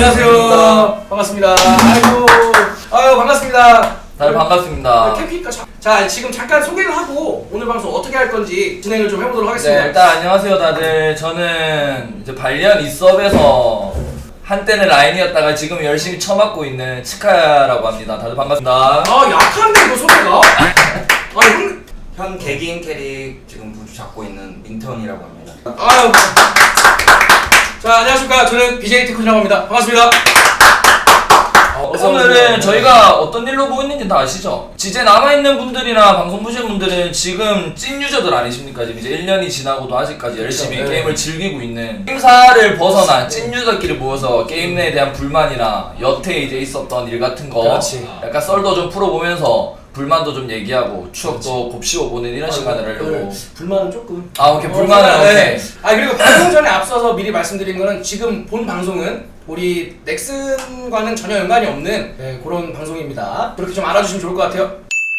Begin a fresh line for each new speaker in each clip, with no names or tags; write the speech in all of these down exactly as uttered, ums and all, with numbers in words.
안녕하세요. 반갑습니다. 아이고, 아유 반갑습니다.
다들 반갑습니다.
캠핑카 자, 자 지금 잠깐 소개를 하고 오늘 방송 어떻게 할 건지 진행을 좀 해보도록 하겠습니다.
네, 일단 안녕하세요 다들. 저는 이제 발리안 이섭에서 한때는 라인이었다가 지금 열심히 처맞고 있는 치카야라고 합니다. 다들 반갑습니다.
아 약한데 이거 소개가? 아 형,
현 개개인 캐릭 지금 부주 잡고 있는 민턴이라고 합니다.
아유. 자 안녕하십니까. 저는 비제이 테크이라고 합니다. 반갑습니다.
어, 오늘은 저희가 어떤 일로 보고 있는지 다 아시죠? 이제 남아있는 분들이나 방송 보시는 분들은 지금 찐 유저들 아니십니까? 지금 이제 일 년이 지나고도 아직까지 열심히
그렇죠, 네.
게임을 즐기고 있는 게임사를 벗어난 찐 유저끼리 모여서 게임 내에 대한 불만이나 여태 이제 있었던 일 같은 거
그렇지.
약간 썰도 좀 풀어보면서 불만도 좀 얘기하고 추억도 곱씹어보는 이런 시간을 하려고.
불만은 조금.
아 오케이 불만은
어,
오케이.
네. 아 그리고 방송 전에 앞서서 미리 말씀드린 거는 지금 본 방송은 우리 넥슨과는 전혀 연관이 없는 네, 그런 방송입니다. 그렇게 좀 알아주시면 좋을 것 같아요.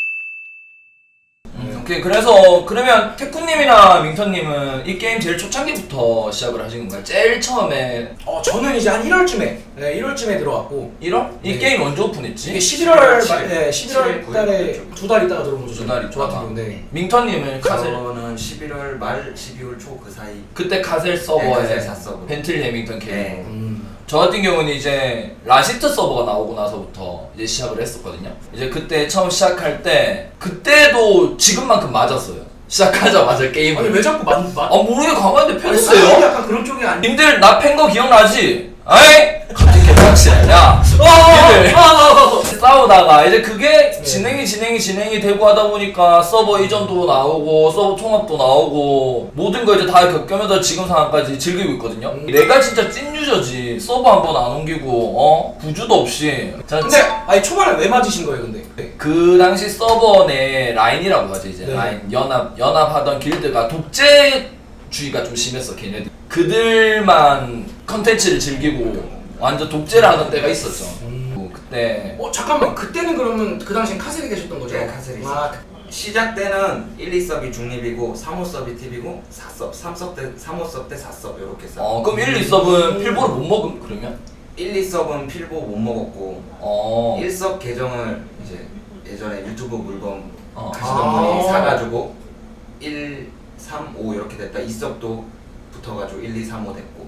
음, 오케이 그래서 그러면 태쿠님이나 민턴님은 이 게임 제일 초창기부터 시작을 하신 건가요? 제일 처음에
어 저는 이제 한 일월쯤에 네, 일월쯤에 들어왔고
일월? 이
네.
게임 언제 오픈했지?
이게 십일월 말,
칠,
네, 십일월
칠,
달에
구일
두 달 있다가 들어온 거죠.
두 달
저 같은
있다가.
경우. 네.
민턴님은 카셀
저는 십일월 말 십이월 초 그 사이.
그때 카셀
네,
서버에
카셀 사 서버.
벤틀 레밍턴 게임.
네.
음.
저 같은 경우는 이제 라시트 서버가 나오고 나서부터 이제 시작을 했었거든요. 이제 그때 처음 시작할 때 그때도 지금만큼 맞았어요. 시작하자마자 게임을.
아니 왜 자꾸 맞 맞?
아 모르게 가만히
아니,
폈어요.
약간 그런 쪽이 아니.
님들 나 팬 거 기억나지? 아이? 갑자기 개빡치네. 야. 님들 싸우다가 이제 그게 진행이 진행이 진행이 되고 하다 보니까 서버 이전도 나오고 서버 통합도 나오고 모든 거 이제 다 겪으면서 지금 상황까지 즐기고 있거든요.
음.
내가 진짜 찐 유저지. 서버 한 번 안 옮기고 어 부주도 없이. 자,
근데 아니 초반에 왜 맞으신 거예요, 근데? 네.
그 당시 서버 내 라인이라고 하죠 이제.
네.
라인 연합 연합하던 길드가 독재주의가 좀 심했어 걔네들. 그들만 컨텐츠를 즐기고 완전 독재를 하던 때가 있었죠.
음.
그때
어 잠깐만 그때는 그러면 그 당시엔 카셀이 계셨던 거죠?
네, 카셀이
아,
시작 때는 일, 이 서비 중립이고 삼, 오 서비 팁이고 사 섭, 삼 섭 때 삼, 오 섭 때 사 섭 이렇게 써.
어 그럼 일, 이 서브는 필보를 못 먹음 그러면?
일, 이 섭은 필보 못 먹었고
어.
일 섭 계정을 이제 예전에 유튜브 물건
어.
하시던
아.
분이 사가지고 일, 삼, 오 이렇게 됐다. 이 섭도 붙어가지고 일, 이, 삼, 오 됐고.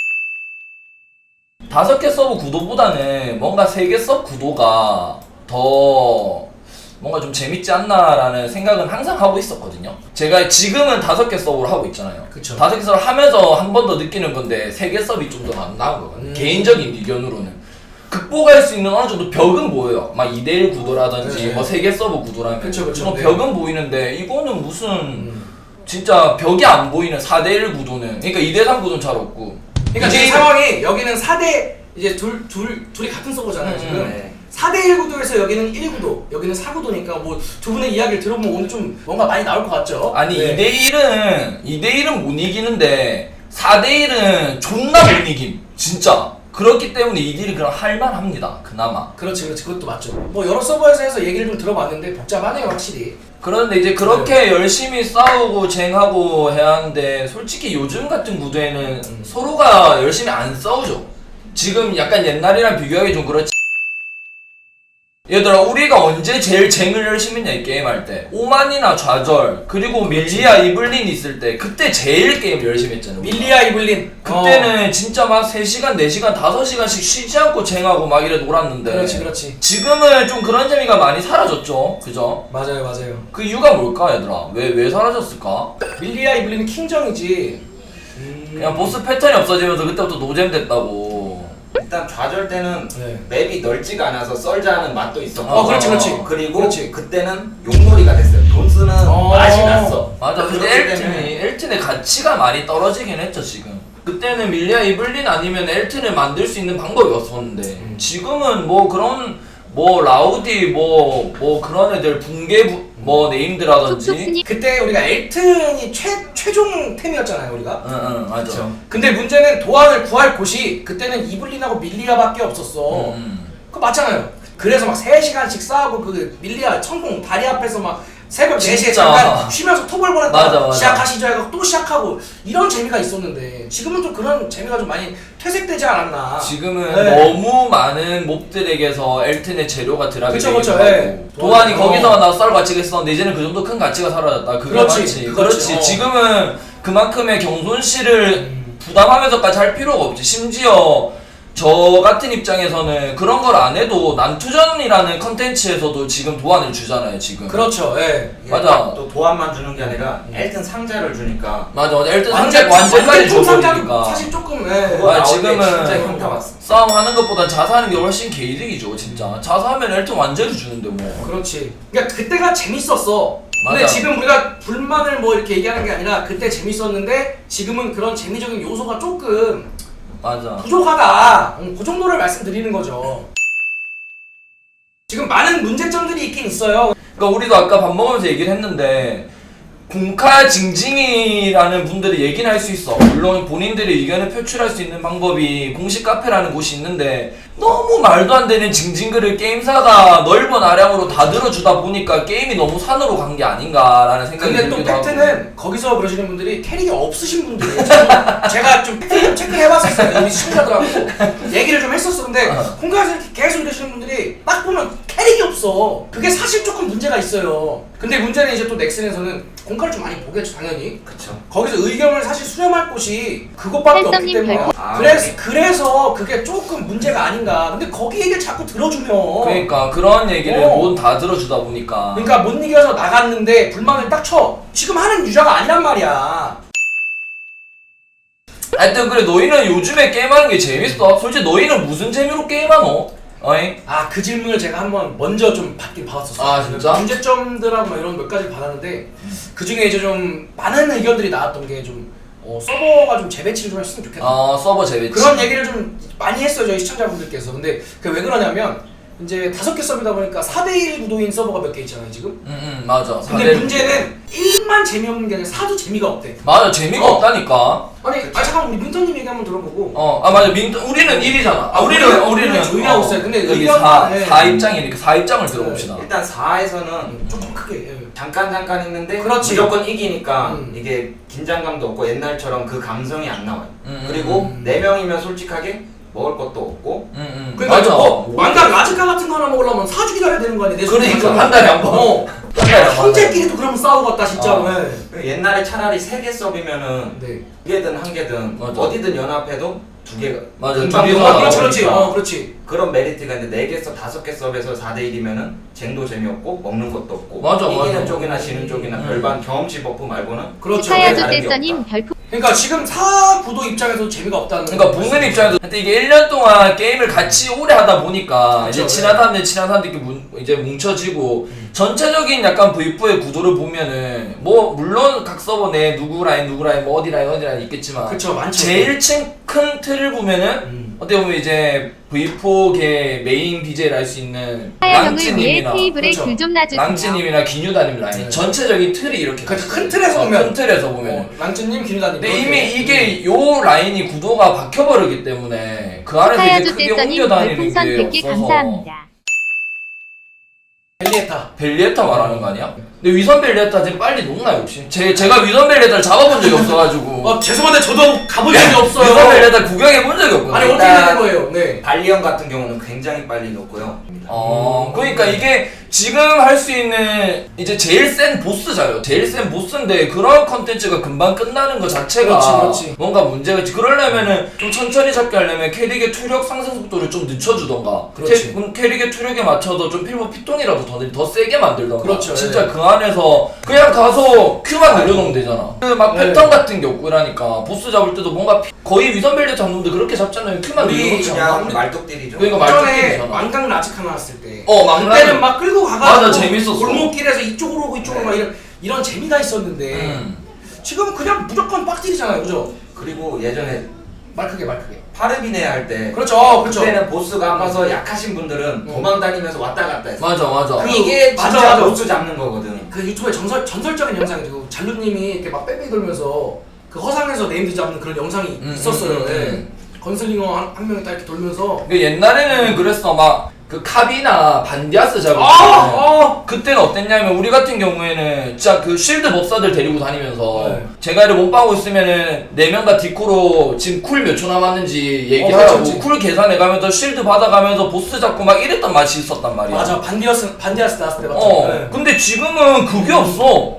다섯 개 서브 구도보다는 뭔가 세 개 서브 구도가 더 뭔가 좀 재밌지 않나라는 생각은 항상 하고 있었거든요. 제가 지금은 다섯 개 서브를 하고 있잖아요.
그쵸.
다섯 개 서브를 하면서 한 번 더 느끼는 건데 세 개 서브이 좀 더 나은 거거든요.
음.
개인적인 의견으로는. 극복할 수 있는 어느 정도 벽은 보여요. 막 이 대 일 구도라든지
네.
뭐 세 개 서브 구도라면
그쵸, 그쵸.
그런
네.
벽은 보이는데 이거는 무슨
음.
진짜 벽이 안 보이는 사 대 일 구도는 그러니까 이 대 삼 구도는 잘 없고
그러니까
이제
지금 상황이 여기는 사 대 이제 둘, 둘, 둘이 같은 서버잖아요
음,
지금
네.
사 대 일 구도에서 여기는 일 구도 여기는 사 구도니까 뭐 두 분의 이야기를 들어보면 오늘 좀 뭔가 많이 나올 것 같죠?
아니
네.
이 대 일은 이 대 일은 못 이기는데 사 대 일은 존나 못 이김 진짜. 그렇기 때문에 이 대 일은 그럼 할만합니다 그나마.
그렇지 그렇지 그것도 맞죠. 뭐 여러 서버에서 해서 얘기를 좀 들어봤는데 복잡하네요 확실히.
그런데 이제 그렇게 열심히 싸우고 쟁하고 해야 하는데 솔직히 요즘 같은 구도에는
음.
서로가 열심히 안 싸우죠. 지금 약간 옛날이랑 비교하기 좀 그렇지. 얘들아 우리가 언제 제일 쟁을 열심히 했냐 이 게임 할 때 오만이나 좌절 그리고 밀리아 이블린 있을 때 그때 제일 게임 열심히 했잖아 우리가.
밀리아 이블린
그때는 진짜 막 세 시간 네 시간 다섯 시간씩 쉬지 않고 쟁하고 막 이래 놀았는데
어, 그렇지 그렇지
지금은 좀 그런 재미가 많이 사라졌죠 그죠?
맞아요 맞아요.
그 이유가 뭘까 얘들아? 왜 왜 사라졌을까?
밀리아 이블린은 킹정이지. 음...
그냥 보스 패턴이 없어지면서 그때부터 노잼 됐다고.
일단 좌절 때는
네.
맵이 넓지가 않아서 썰자는 맛도 있었고.
어, 그렇지, 그렇지.
그리고
그렇지.
그때는 용놀이가 됐어요. 돈 쓰는
어.
맛이 났어.
맞아 근데
그렇기
엘튼이
때문에
엘튼의 가치가 많이 떨어지긴 했죠 지금. 그때는 밀리아 이블린 아니면 엘튼을 만들 수 있는 방법이 없었는데
음.
지금은 뭐 그런 뭐 라우디 뭐 뭐 그런 애들 붕괴 부, 뭐 네임드라든지
그때 우리가 엘튼이 최 최종 템이었잖아요 우리가.
응응 맞아.
그쵸.
근데 문제는 도안을 구할 곳이 그때는 이블린하고 밀리아밖에 없었어.
음.
그거 맞잖아요. 그래서 막 세 시간씩 싸우고 그 밀리아 천공 다리 앞에서 막 새벽 네 시에
진짜.
잠깐 쉬면서 토벌
맞아,
보냈다가
맞아.
시작하시죠 해서 또 시작하고 이런 재미가 있었는데 지금은 좀 그런 재미가 좀 많이 퇴색되지 않았나.
지금은
네.
너무 많은 몹들에게서 엘튼의 재료가 드랍이
그쵸,
되기도
그쵸,
하고
예.
도안이
어.
거기서 나 썰 가치가 있었는데 이제는 그 정도 큰 가치가 사라졌다. 그게
그렇지,
맞지.
그렇지.
그렇지.
어.
지금은 그만큼의 경손씨를
음.
부담하면서까지 할 필요가 없지. 심지어 저 같은 입장에서는 그런 걸 안 해도 난투전이라는 컨텐츠에서도 지금 도안을 주잖아요. 지금.
그렇죠. 예.
이게
맞아.
딱 또 도안만 주는 게 아니라 엘튼 상자를 주니까
맞아 맞아. 엘튼
완전
상자 완전까지
통상자는
줘버리니까.
사실 조금 예.
그거
아,
나올 때
지금은
진짜 현타 왔어.
싸움하는 것보단 자사하는 게 훨씬 개이득이죠. 진짜. 자사하면 엘튼 완전히 주는데 뭐.
그렇지. 그러니까 그때가 재밌었어. 근데
맞아.
지금 우리가 불만을 뭐 이렇게 얘기하는 게 아니라 그때 재밌었는데 지금은 그런 재미적인 요소가 조금
맞아.
부족하다. 음, 그 정도를 말씀드리는 거죠. 지금 많은 문제점들이 있긴 있어요.
그러니까 우리도 아까 밥 먹으면서 얘기를 했는데 공카 징징이라는 분들이 얘기는 할 수 있어. 물론 본인들의 의견을 표출할 수 있는 방법이 공식 카페라는 곳이 있는데 너무 말도 안 되는 징징글을 게임사가 넓은 아량으로 다 들어주다 보니까 게임이 너무 산으로 간 게 아닌가라는 생각이
근데 또
들기도 하고.
팩트는 거기서 그러시는 분들이 캐릭이 없으신 분들이에요. 저도 제가 좀 팩트 좀 체크를 해봤었어요. 우리 시청자들하고 얘기를 좀 했었어. 근데 공카에서 이렇게 계속 이러시는 분들이 딱 보면 캐릭이 없어. 그게 사실 조금 문제가 있어요. 근데 문제는 이제 또 넥슨에서는 공카를 좀 많이 보겠죠, 당연히.
그쵸.
거기서 의견을 사실 수렴할 곳이 그것밖에 없기
헬성님
때문에
별풍-
아,
그래서,
네.
그래서 그게 조금 문제가 아닌가. 근데 거기 얘기를 자꾸 들어주면
그러니까 그런 얘기를
어.
모두 다 들어주다 보니까.
그러니까 못 이겨서 나갔는데 불만을 딱 쳐. 지금 하는 유저가 아니란 말이야.
하여튼 그래 너희는 요즘에 게임하는 게 재밌어? 솔직히 너희는 무슨 재미로 게임하노? 어이?
아, 그 질문을 제가 한번 먼저 좀 받긴 받았었어요.
아, 진짜?
문제점들하고 막 이런 몇 가지 받았는데 그 중에 이제 좀 많은 의견들이 나왔던 게 좀 어, 서버가 좀 재배치를 좀 했으면 좋겠다.
어 서버 재배치.
그런 얘기를 좀 많이 했어요, 저희 시청자분들께서. 근데 그 왜 그러냐면 이제 다섯 개 서버다 보니까 사 대 일 구도인 서버가 몇 개 있잖아요, 지금.
응응 맞아.
근데
사대
문제는 일만 재미없는 게 아니라 사도 재미가 없대.
맞아 재미가
어.
없다니까.
아니, 아 잠깐 우리 민터님 얘기 한번 들어보고.
어, 아 맞아. 민 우리는 일이잖아. 아, 우리는
우리는-
우리는
우리는 조용히 하고 있어요. 근데
여기
의견은-
사,
네.
사 입장이니까 사 입장을 들어봅시다.
일단 사에서는
조금 크게. 예.
잠깐 잠깐 있는데
그렇지.
무조건 이기니까
음.
이게 긴장감도 없고 옛날처럼 그 감성이 안 나와요.
음,
그리고
음.
네 명이면 솔직하게 먹을 것도 없고
응, 응.
그러니까
맞아.
뭐 왕관 라즈카 같은 거 하나 먹으려면 사주 기다려야 되는 거 아니야? 내
그러니까
손에
한 달에 한 번.
어.
한 달에 한 번.
형제끼리도 그러면 싸우고 갔다 진짜로.
어.
네.
옛날에 차라리 세 개 서비면은
네.
두 개든 한 개든
맞아.
어디든 연합해도 두 개가
맞아.
금방
둘이서
금방
어, 그렇지, 그렇지.
나오니까
어, 그렇지.
그런 메리트가 있는데 네 개 서 다섯 개 서브에서 사 대 일이면은 쟁도 재미없고 먹는 것도 없고
맞아,
이기는
맞아.
쪽이나 지는 쪽이나
음.
별반 경험치 버프 말고는
그렇죠.
치카야
다른 게
조대서님
없다.
별풍
그러니까 지금 사 구도 입장에서 재미가 없다는.
그러니까 보는 입장에서 하여튼 이게 일 년 동안 게임을 같이 오래 하다 보니까
그렇죠,
이제 친한 사람들 친한 사람들 이렇게 문, 이제 뭉쳐지고 전체적인 약간 브이포의 구도를 보면은 뭐 물론 각 서버 내 누구 라인 누구 라인 뭐 어디 라인 어디 라인 있겠지만
그렇죠, 많죠.
제일 큰 틀을 보면은
음.
어떻게 보면 이제 브이포계 메인 비제이를 할 수 있는
하야 형을 위해
랑찌님이나
테이블에
그렇죠.
귤 좀 놔주세요.
랑찌님이나 기뉴다님 라인
네.
전체적인 틀이 이렇게
그렇죠. 큰
있어요.
틀에서
어,
보면.
큰 틀에서 보면
어, 랑츠님, 김유다님.
근데 이미 이게 요 라인이 구도가 박혀버리기 때문에 그 안에서
치카야
이제 크게
조대서님
옮겨 다니는
별풍선
게
백 개
없어서
감사합니다.
벨리에타.
벨리에타 말하는 거 아니야? 근데 위선 벨리에타 지금 빨리 녹나요 혹시? 제, 제가 위선 벨리에타를 잡아본 적이 없어가지고
어, 죄송한데 저도 가본 적이 없어요.
위선 벨리에타 구경해본 적이 없거든요.
아니, 어떻게 되는 거예요? 네.
발리언 같은 경우는 굉장히 빨리 녹고요.
어, 그러니까 이게 지금 할 수 있는 이제 제일 센 보스잖아요. 제일 센 보스인데 그런 컨텐츠가 금방 끝나는 것 자체가
그렇지, 그렇지.
뭔가 문제가 있지. 그러려면은 좀 천천히 잡게 하려면 캐릭의 투력 상승 속도를 좀 늦춰주던가.
그렇지.
캐, 그럼 캐릭의 투력에 맞춰서 좀 필모 피통이라도 더, 더 세게 만들던가.
그렇죠,
진짜
예.
그 안에서 그냥 가서 큐만 늘려놓으면 되잖아. 그 막
네.
패턴 같은 게 없고 이러니까 보스 잡을 때도 뭔가 피- 거의 위선벨리 잡는데 그렇게 잡잖아요. 큐만
우리
늘려놓지 않아.
그냥 말뚝딜이죠.
그러니까
전에
말뚝이잖아.
왕강 라즈카 나왔을 때.
어, 왕강.
그때는 막 끌고 가가지고.
맞아, 재밌었어.
골목길에서 이쪽으로 오고 이쪽으로
네.
막 이런, 이런 재미가 있었는데.
음.
지금은 그냥 무조건 빡딜이잖아요, 그죠?
그리고 예전에
말 크게, 말 크게.
파르비네 할 때
그렇죠, 그렇죠.
그때는 보스가 아파서 약하신 분들은
음.
도망 다니면서 왔다 갔다 했어.
맞아 맞아.
그-
이게
맞아,
진짜
맞아.
보스 잡는 거거든.
그 유튜브에 전설, 전설적인 영상이죠. 잘루님이 이렇게 막 뺑뺑이 돌면서 그 허상에서 네임드 잡는 그런 영상이
음,
있었어요.
음, 음,
예.
음.
건슬링어 한, 한 명이 딱 이렇게 돌면서.
그 옛날에는 그랬어 막 그 카비나 반디아스 작업
아, 아.
그때는 어땠냐면 우리 같은 경우에는 진짜 그 쉴드 법사들 데리고 다니면서
네.
제가 이를 못 빠고 있으면은 네 명 다 디코로 지금 쿨 몇 초 남았는지 얘기하라고
어, 그렇지, 그렇지.
쿨 계산해가면서 쉴드 받아가면서 보스 잡고 막 이랬던 맛이 있었단 말이야.
맞아 반디어스 반디아스 나왔을 때 맞죠?
어
네.
근데 지금은 그게 없어.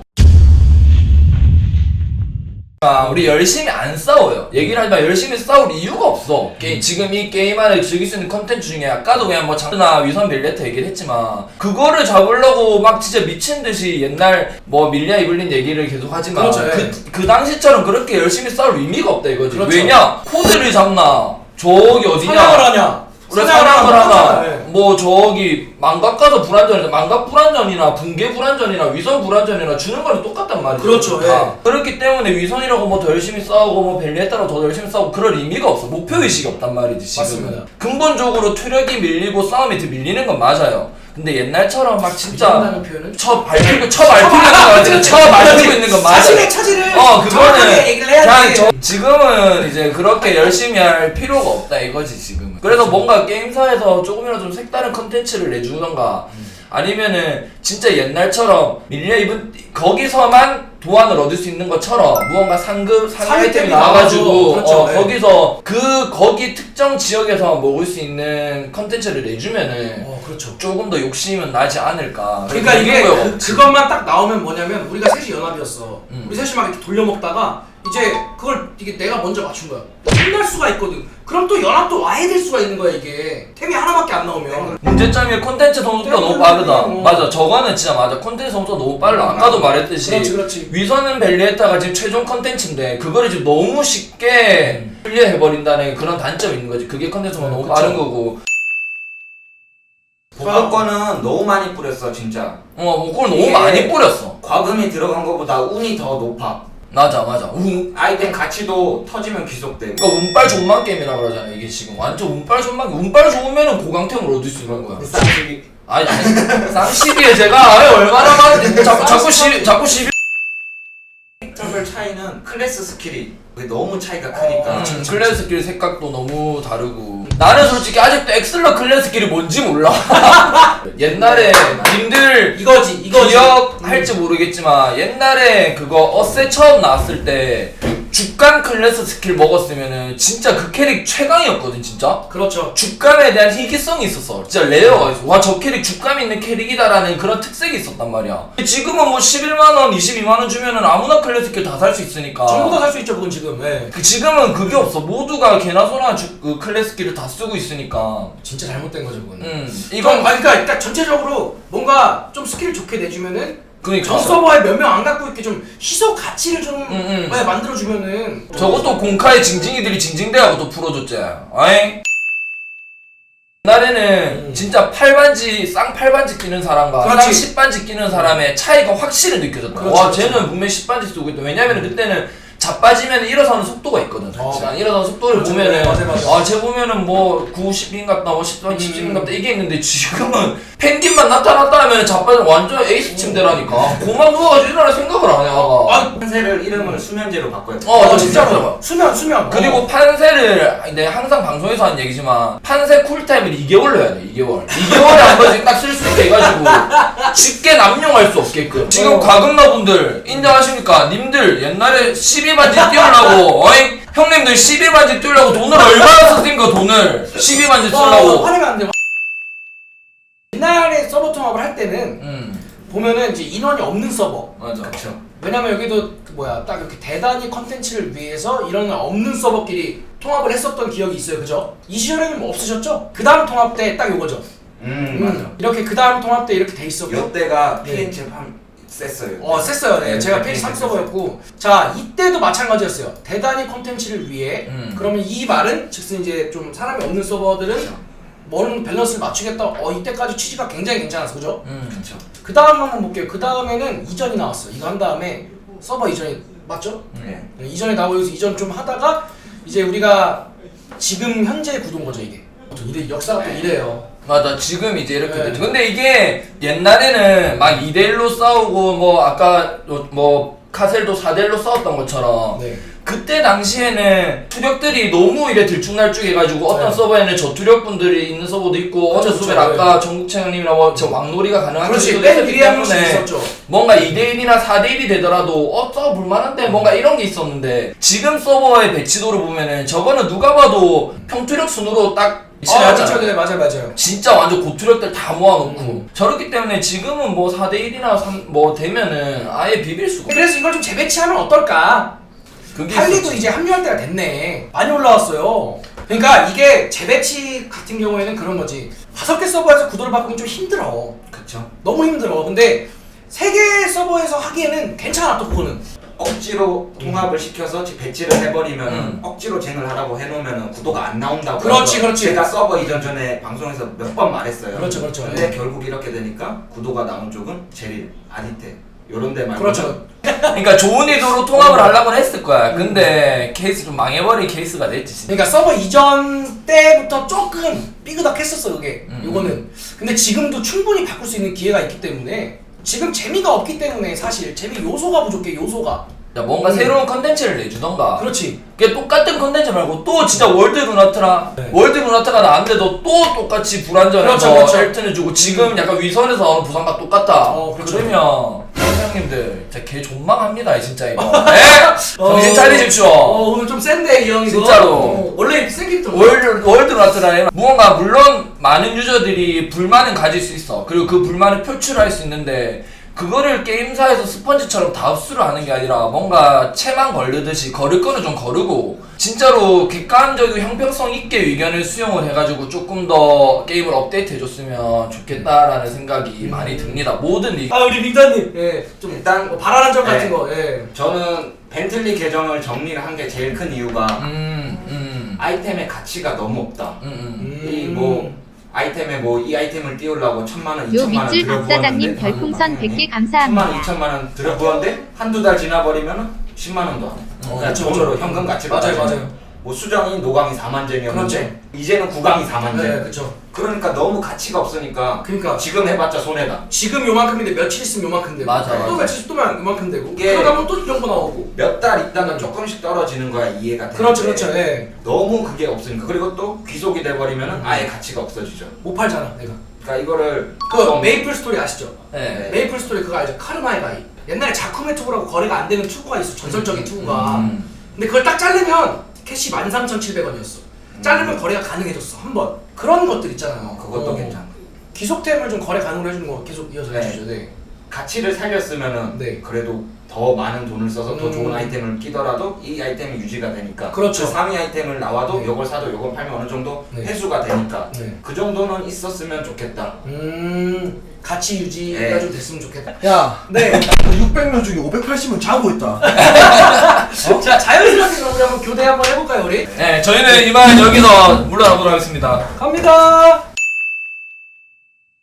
아, 우리 열심히 안 싸워요. 얘기를 하지만 열심히 싸울 이유가 없어. 게, 지금 이 게임 안에 즐길 수 있는 컨텐츠 중에 아까도 그냥 뭐 장르나 위선 밀레트 얘기를 했지만 그거를 잡으려고 막 진짜 미친 듯이 옛날 뭐 밀리아 이블린 얘기를 계속 하지만
그렇죠, 예.
그, 그 당시처럼 그렇게 열심히 싸울 의미가 없다 이거지.
그렇죠.
왜냐? 코드를 잡나 저기 어디냐?
사냥을 하냐?
그래 사냥을 하나
네.
뭐 저기 망각 가서 불안전이나 망각 불안전이나 붕괴 불안전이나 위선 불안전이나 주는 거는 똑같단 말이죠.
그렇죠,
다. 그렇기 때문에 위선이라고 뭐 더 열심히 싸우고 뭐 벨리에따라고 더 열심히 싸우고 그럴 의미가 없어. 목표의식이 없단 말이지 지금은.
맞습니다.
근본적으로 투력이 밀리고 싸움이 더 밀리는 건 맞아요. 근데 옛날처럼 막 진짜
밀린다는 표현은
쳐 밟히고 쳐 밟히고 있는 거 맞아. 쳐 밟히고 있는 건 맞아.
자신의 차지를
어 그거는
정확하게 얘기를 해야
그냥
돼.
저, 지금은 이제 그렇게 열심히 할 필요가 없다 이거지 지금은. 그래서 뭔가 게임사에서 조금이라도 좀 색다른 컨텐츠를 내주던가 아니면은 진짜 옛날처럼 밀리아 이븐 거기서만 도안을 얻을 수 있는 것처럼 무언가 상급 상위
상위
아이템이
템이
나와가지고
나와가지고, 그렇죠,
어,
네.
거기서 그 거기 특정 지역에서 먹을 수 있는 컨텐츠를 내주면은
어 그렇죠.
조금 더 욕심은 나지 않을까.
그러니까
그런
이게
거예요.
그, 그것만 딱 나오면 뭐냐면 우리가 셋이 연합이었어.
음.
우리 셋이 막 이렇게 돌려먹다가 이제 그걸 이게 내가 먼저 맞춘 거야. 혼날 수가 있거든. 그럼 또 연합도 와야 될 수가 있는 거야 이게. 템이 하나밖에 안 나오면.
문제점이 콘텐츠 성수가
네,
너무
네,
빠르다.
네, 네.
맞아, 저거는 진짜 맞아. 콘텐츠 성수가 너무 빨라. 아까도 말했듯이
그렇지 그렇지.
위선은 벨리에타가 지금 최종 컨텐츠인데 그거를 지금 너무 쉽게 클리어해버린다는 그런 단점이 있는 거지. 그게 컨텐츠가
음,
너무
그쵸.
빠른 거고.
복합권은 너무 많이 뿌렸어 진짜.
어, 뭐 그걸 너무
이게-
많이 뿌렸어.
과금이 들어간 것보다 운이 더 높아.
맞아, 맞아. 운,
아이템 가치도 터지면 귀속되고.
그러니까 운빨 존망 게임이라고 그러잖아. 이게 지금 완전 운빨 존망. 운빨 좋으면은 고강템을 얻을 수 있는 거야.
쌍식이.
아니, 아니. 쌍시비에 제가 아예 얼마나 많은데 자꾸 자꾸 시 자꾸 시비.
별 차이는 클래스 스킬이 그게 너무 차이가 크니까.
음, 클래스 스킬 색깔도 너무 다르고 나는 솔직히 아직도 엑슬러 클래스 스킬이 뭔지 몰라. 옛날에 님들
이거지 이거지.
기억할지 모르겠지만 옛날에 그거 어세 처음 나왔을 때 죽간 클래스 스킬 먹었으면은 진짜 그 캐릭 최강이었거든 진짜.
그렇죠.
죽감에 대한 희귀성이 있었어. 진짜 레어가 있어. 와, 저 캐릭 죽감 있는 캐릭이다라는 그런 특색이 있었단 말이야. 지금은 뭐 십일만 원, 이십이만 원 주면은 아무나 클래스 스킬 다 살 수 있으니까.
전부 다 살 수 있죠 그건 지금. 예.
그 지금은 그게 없어. 모두가 개나 소나 주, 그 클래스 스킬을 다 쓰고 있으니까.
진짜 잘못된 거죠 그거는.
음.
이건
이건
아니, 그러니까 일단 전체적으로 뭔가 좀 스킬을 좋게 내주면은
그니까
전 서버에 몇 명 안 갖고 있게 좀 희소 가치를 좀
음, 음.
네, 만들어주면은
저것도 공카의 징징이들이 징징대하고 또 풀어줬지. 아잉? 옛날에는
음.
진짜 팔반지 쌍팔반지 끼는 사람과
그렇지.
쌍 십반지 끼는 사람의 차이가 확실히 느껴졌다.
그렇지,
와,
그렇지.
쟤는 분명히 십반지 쓰고 있다. 왜냐면 그때는 자빠지면 일어서는 속도가 있거든.
어.
어. 일어서는 속도를
그렇죠.
보면은
맞아, 맞아.
아, 쟤 보면은 뭐 구십인 같다, 뭐 십반, 십인
음.
같다 이게 있는데 지금은 펭귄만 나타났다 하면 자빠지면 완전 에이스 침대라니까. 고만 누워가지고 일어날 생각을 안 해. 아가.
아,
판세를 이름을 수면제로 바꿔야 돼.
어, 어, 진짜로.
수면 수면.
그리고
어.
판세를 내가 항상 방송에서 하는 얘기지만 판세 쿨타임을 이 개월로 해야 돼. 이 개월. 이 개월에 한 번씩 딱 쓸 수 있게 해가지고 쉽게 남용할 수 없게끔. 지금
어.
과금러분들 인정하십니까? 님들 옛날에 십이 반지 띄우려고 어이? 형님들 십이 반지 띄우려고 돈을 얼마나 썼습니까? 돈을 십이 반지
어,
쓰려고.
화내면 안 돼. 옛날에 서버 통합을 할 때는
음
보면은 이제 인원이 없는 서버.
맞아.
그렇죠.
왜냐면 여기도 그 뭐야 딱 이렇게 대단히 컨텐츠를 위해서 이런 없는 서버끼리 통합을 했었던 기억이 있어요, 그죠? 이 시절에는 뭐 없으셨죠? 그 다음 통합 때 딱 요거죠.
음,
음,
맞아.
이렇게 그 다음 통합 때 이렇게 돼 있었고.
이때가
네.
피엔체 팜 셌어요.
어, 셌어요. 네.
네,
제가
네,
페이지 삼
네,
서버였고. 자, 이때도 마찬가지였어요. 대단히 컨텐츠를 위해.
음.
그러면 이 말은 즉슨 이제 좀 사람이 없는 서버들은
그렇죠.
뭐는 밸런스를 맞추겠다. 어, 이때까지 취지가 굉장히 괜찮았어, 그죠?
음.
그렇죠.
그 다음 한번 볼게요. 그 다음에는 이전이 나왔어. 이거 한 다음에 서버 이전이 맞죠?
네.
네, 이전에 나오고 여기서 이전 좀 하다가 이제 우리가 지금 현재 구도인 거죠 이게. 또 이래 역사가 또 이래요.
맞아, 지금 이제 이렇게
네.
됐죠. 근데 이게 옛날에는 막 이 대 일로 싸우고 뭐 아까 뭐 카셀도 사 대 일로 싸웠던 것처럼
네.
그때 당시에는 투력들이 너무 이래 들쭉날쭉 해가지고 어떤
네.
서버에는 저투력분들이 있는 서버도 있고 어떤
그렇죠,
서버에
그렇죠.
아까 정국채형님이나 뭐 저 왕놀이가 가능한
그렇지,
기술도
맨
있었기
위에 한 명씩
때문에
있었죠.
뭔가 이 대 일이나 사 대 일이 되더라도 어 저거 볼만한데 뭔가 이런 게 있었는데 지금 서버의 배치도를 보면은 저거는 누가 봐도 평투력 순으로 딱
아,
배치하잖아.
그렇죠. 네, 맞아요, 맞아요.
진짜 완전 고투력들 다 모아놓고
음.
저렇기 때문에 지금은 뭐 사 대 일이나 삼 뭐 되면은 아예 비빌 수가 없어.
그래서 이걸 좀 재배치하면 어떨까?
그게
팔리도
있었지.
이제 합류할 때가 됐네. 많이 올라왔어요. 그러니까 이게 재배치 같은 경우에는 그런 거지. 다섯 개 서버에서 구도를 바꾸면 좀 힘들어.
그쵸.
너무 힘들어. 근데 세 개 서버에서 하기에는 괜찮아 또 그거는.
억지로 통합을 시켜서 배치를 해버리면
음.
억지로 쟁을 하라고 해놓으면 구도가 안 나온다고.
그렇지,
해서
그렇지.
제가 서버 이전 전에 방송에서 몇 번 말했어요.
그렇죠, 그렇죠.
근데
네.
결국 이렇게 되니까 구도가 나온 쪽은 제릴, 아디테 요런 데 말고.
그렇죠.
그러니까 좋은 의도로 통합을 하려고 했을 거야. 근데 케이스 좀 망해버린 케이스가 됐지. 진짜.
그러니까 서버 이전 때부터 조금 삐그덕했었어 그게.
음.
요거는. 근데 지금도 충분히 바꿀 수 있는 기회가 있기 때문에 지금 재미가 없기 때문에 사실 재미 요소가 부족해 요소가.
야, 뭔가
음.
새로운 컨텐츠를 내주던가.
그렇지.
그게 똑같은 컨텐츠 말고 또 진짜 월드 루나트라
네.
월드 루나트가 나왔는데도 또 똑같이 불안전해서
그렇죠, 그렇죠.
헬튼해주고 지금 약간 위선에서 나오는 부상과 똑같다.
어, 그렇죠.
그러면 선생님들 진짜 개 존망합니다 진짜 이거. 에? 정신 차리십시오.
어, 오늘 좀 센데 이 형 이거.
진짜로.
어, 원래 센 캐릭터.
월드, 월드 라트라에 무언가 물론 많은 유저들이 불만은 가질 수 있어. 그리고 그 불만을 표출할 수 있는데 그거를 게임사에서 스펀지처럼 다 흡수를 하는 게 아니라 뭔가 채만 걸르듯이 걸을 거는 좀 거르고 진짜로 객관적이고 형평성 있게 의견을 수용을 해가지고 조금 더 게임을 업데이트 해줬으면 좋겠다라는 생각이
음.
많이 듭니다. 모든 이
아 우리 빅터님. 예. 좀
일단
뭐 바라는 점 같은
네.
거. 예.
저는 벤틀리 계정을 정리를 한 게 제일 큰 이유가
음, 음,
아이템의 가치가 너무 없다.
음, 음.
이 뭐 아이템에 뭐 이 아이템을 띄우려고 천만 원,
요
이천만 원
밑줄
들여부었는데
박사장님 별풍선 백 개
천만 원,
감사합니다.
이천만 원 들여부었는데 한두 달 지나버리면은 십만 원도 안 해.
어,
그냥
그렇죠.
돈으로 현금 가치로
맞아요,
따지면.
맞아요.
뭐 수정이 노강이 사만 쟁이었는데
그렇죠.
이제는 구강이 사만 쟁.
네, 그렇죠.
그러니까 너무 가치가 없으니까
그러니까
지금 해봤자 손해다.
지금 요만큼인데 며칠 있으면 요만큼 되고
맞아,
또
맞아.
며칠 있으면 요만큼 되고
이게-
그러다 보면 또 이런 거 나오고
몇 달 있다가 조금씩 떨어지는 거야 이해가 되는데
그렇죠 그렇죠 예.
너무 그게 없으니까 그리고 또 귀속이 돼버리면은 아예 가치가 없어지죠.
못 팔잖아 내가
그러니까 이거를
그
좀-
메이플 스토리 아시죠?
네.
메이플 스토리 그거 알죠? 카르마의 바위 옛날에 자쿠메 투구라고 거래가 안 되는 투구가 있어 전설적인 투구가
음.
근데 그걸 딱 자르면 캐시 만 삼천칠백 원이었어 자르면 거래가 가능해졌어 한번 그런 것들 있잖아요
그것도
어.
괜찮고
기속템을 좀 거래 가능으로 해주는 거 계속 이어서
네.
해주죠 네.
가치를 살렸으면은
네.
그래도 더 많은 돈을 써서 더
음.
좋은 아이템을 끼더라도 이 아이템이 유지가 되니까
그렇죠.
그 상위 아이템을 나와도
네.
요걸 사도 요걸 팔면 어느 정도
네.
회수가 되니까
네.
그 정도는 있었으면 좋겠다.
음 가치 유지가
네.
좀 됐으면 좋겠다
야,
네.
육백 명 중에 오백팔십은 자고 있다.
자 자연스럽게 그럼 우리 한번 교대 한번 해볼까요 우리?
네, 저희는 이만 여기서 물러나보도록 하겠습니다.
갑니다